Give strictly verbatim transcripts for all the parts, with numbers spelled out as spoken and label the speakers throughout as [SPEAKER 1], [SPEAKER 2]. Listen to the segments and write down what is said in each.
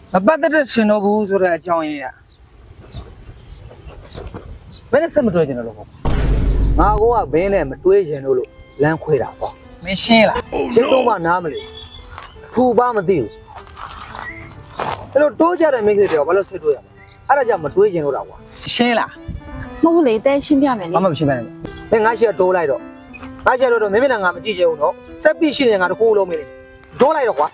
[SPEAKER 1] မပတ်သက်တဲ့ရှင်တော်ဘူးဆိုတဲ့အကြောင်းရင်းอ่ะဘယ်နဲ့ဆက်မတွေ့ကျင်လို့ပေါ့ငါကောကဘင်းနဲ့မတွေးကျင်လို့လို့လမ်းခွေတာပေါ့မင်းရှင်းလားရှင်းတော့မှနားမလို့ထူပါမသိဘူးအဲ့လိုတိုးကြတဲ့မိတ်ဆွေတွေဘာလို့ဆက်တွေ့ရလဲအဲ့ဒါကြောင့်မတွေးကျင်လို့တာကွာရှင်းလား
[SPEAKER 2] မဟုတ်လေတဲရှင်းပြမယ်လေ
[SPEAKER 1] ဘာမှမရှင်းပါနဲ့ဘယ်ငါရှိရတိုးလိုက်တော့ငါရှိရတော့မင်းမနဲ့ငါမကြည့်ချင်ဘူးနော်ဆက်ပြီးရှိနေငါတကူလုံးမင်းတိုးလိုက်တော့ကွာ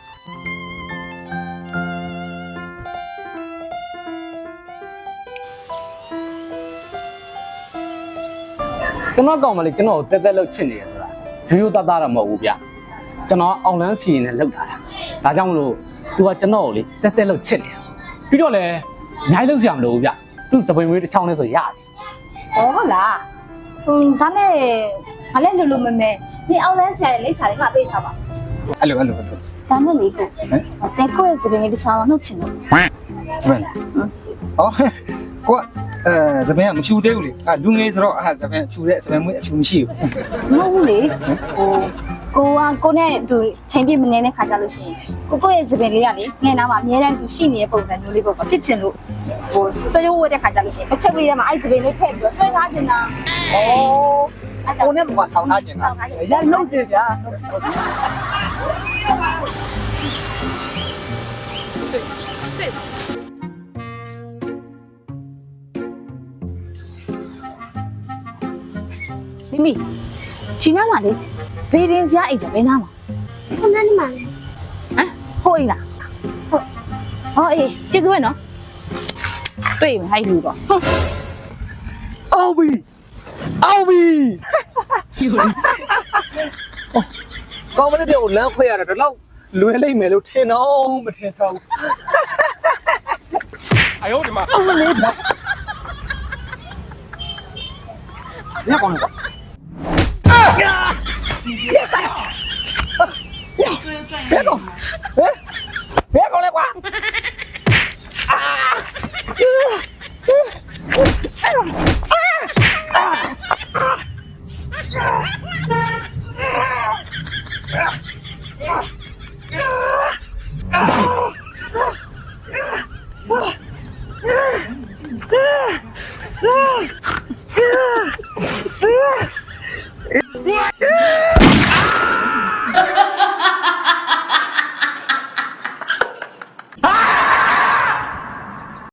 [SPEAKER 3] ကျွန်တော်ကောင်းမလေးကျွန်တော်တက်တက်လှုပ်ချစ်နေရဆိုတာရိုးရိုးသားသားတော့မဟုတ်ဘူးဗျကျွန်တော်အောင်လန်းစီရင်နဲ့လှုပ်တာဒါကြောင့်မလို့ तू ကကျွန်တော်ကိုလေတက်တက်လှုပ်ချစ်နေတာပြီးတော့လည်းအများကြီးလှုပ်စရာမလိုဘူးဗျသူ့စပွင့်မွေးတစ်ချောင်းနဲ့ဆိုရတယ်
[SPEAKER 2] ဟောဟုတ်လားဟွန်းဒါနဲ့ဘာလဲလူလူမဲမဲနေအောင်လဲဆရာရဲ့လိပ်စာလေးကပေးထားပါ
[SPEAKER 1] အဲ့လိုအဲ့လိုအဲ့လို
[SPEAKER 2] ဒါနဲ့လေကိုတဲကိုရဲ့စပင်းလေးတစ်ချောင်းတော့နှုတ်ချင်လို့
[SPEAKER 1] စပင်းဟောကိုအဲစပင်းကမဖြူသေးဘူးလေအဲလူငယ်ဆိုတော့အဲစပင်းဖြူတဲ့စပင်းမွေးအဖြူမရှိဘူး
[SPEAKER 2] မဟုတ်ဘူးလေဟိုကိုကကိုနဲ့သူချိန်ပြည့်မနေတဲ့ခါကြလို့ရှိရင်ကိုကိုရဲ့စပင်းလေးကလေငယ်နာမှာအများတန်းသူရှိနေတဲ့ပုံစံမျိုးလေးပေါ့ဖြစ်ချင်လို့ဟိုဆွေးရိုးဝတ်တဲ့ခါကြလို့ရှိရင်တစ်ချက်လေးထဲမှာအဲ့စပင်းလေးထည့်ပြီးတော့ဆွဲထားချင်တာ
[SPEAKER 1] ဩကိုနဲ့ဘာဆောင်းထားခြင်းလားရလုံးကြဗျာ
[SPEAKER 2] မိမိဒီနားမှာလေဘေးရင်စရာအိမ်ကြဘယ်နားမှာ
[SPEAKER 4] ခဏနေမှာ
[SPEAKER 2] ဟမ်ဟိုအိမ်လားဟုတ်ဟောအေးကျေးဇူးပဲနော်တွေ့မယ်ဟိုက်လူတော့
[SPEAKER 1] အော်ဘီအော်ဘီကောင်းမလေးတွေကိုလမ်းခွဲရတာတော့လွယ်လိမ့်မယ်လို့ထင်တော့မထင်တော့ဘူး哎呦我的妈！我没跑。别光了我。啊！别打！别动！哎，别过来我！啊！啊！